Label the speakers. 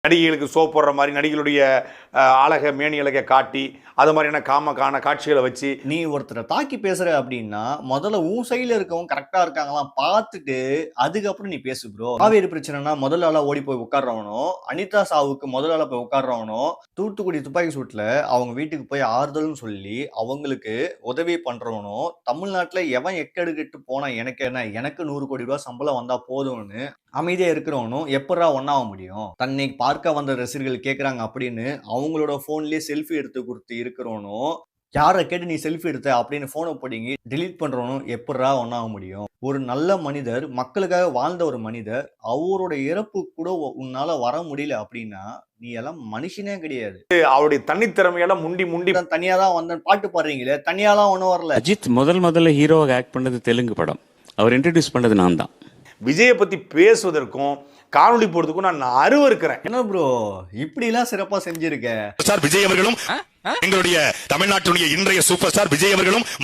Speaker 1: நடிகைகளுக்கு soap போடுற மாதிரி நடிகளுடைய அழக மேனியழகை காட்டி அது மாதிரியான காட்சிகளை வச்சு
Speaker 2: நீ ஒருத்தரை தாக்கி பேசுற அப்படின்னா முதல்ல உன் சைடுல இருக்கவங்க கரெக்டா இருக்காங்களாம் பார்த்துட்டு அதுக்கப்புறம் நீ பேசு ப்ரோ. காவேரி பிரச்சனைனா முதல் ஆளா ஓடி போய் உட்கார்றவனோ, அனிதா சாவுக்கு முதல் ஆளா போய் உட்கார்றவனோ, தூத்துக்குடி துப்பாக்கி சூட்ல அவங்க வீட்டுக்கு போய் ஆறுதல்னு சொல்லி அவங்களுக்கு உதவி பண்றவனோ, தமிழ்நாட்டுல எவன் எக்கெடுக்கிட்டு போனா எனக்கு என்ன, எனக்கு 100 கோடி ரூபாய் சம்பளம் வந்தா போதும்னு அமைதியா இருக்கிறவனும் எப்படா ஒன்னாக முடியும்? தன்னை பார்க்க வந்த ரசிகர்கள் கேட்கறாங்க அப்படின்னு அவங்களோட போன்லயே செல்ஃபி எடுத்து கொடுத்து இருக்கிறவனும், யாரை கேட்டு நீ செல்ஃபி எடுத்த அப்படின்னு போனை பிடிங்கி delete பண்றவனும் எப்படா ஒன்னாக முடியும்? ஒரு நல்ல மனிதர், மக்களுக்காக வாழ்ந்த ஒரு மனிதர், அவரோட இறப்பு கூட உன்னால வர முடியல அப்படின்னா நீ எல்லாம் மனுஷனே கிடையாது.
Speaker 1: அவருடைய தனித்திறமையெல்லாம் முண்டி முண்டி
Speaker 2: தனியா தான் வந்த பாட்டு பாடுறீங்களே, தனியாலாம் ஒன்றும் வரல.
Speaker 3: அஜித் முதல்ல ஹீரோவாக ஆக்ட் பண்ணது தெலுங்கு படம். அவர் இன்ட்ரடியூஸ் பண்ணது நான் தான்.
Speaker 1: விஜயை பத்தி பேசுவதற்கும் காணொலி போடுறதுக்கும் நான் அருவருக்கிறேன்.
Speaker 2: என்ன ப்ரோ இப்படி எல்லாம் சிறப்பா செஞ்சிருக்க?
Speaker 4: விஜய் அவர்களும் எங்களுடைய தமிழ்நாட்டுடைய இன்றைய சூப்பர் ஸ்டார் விஜய் அவர்களும்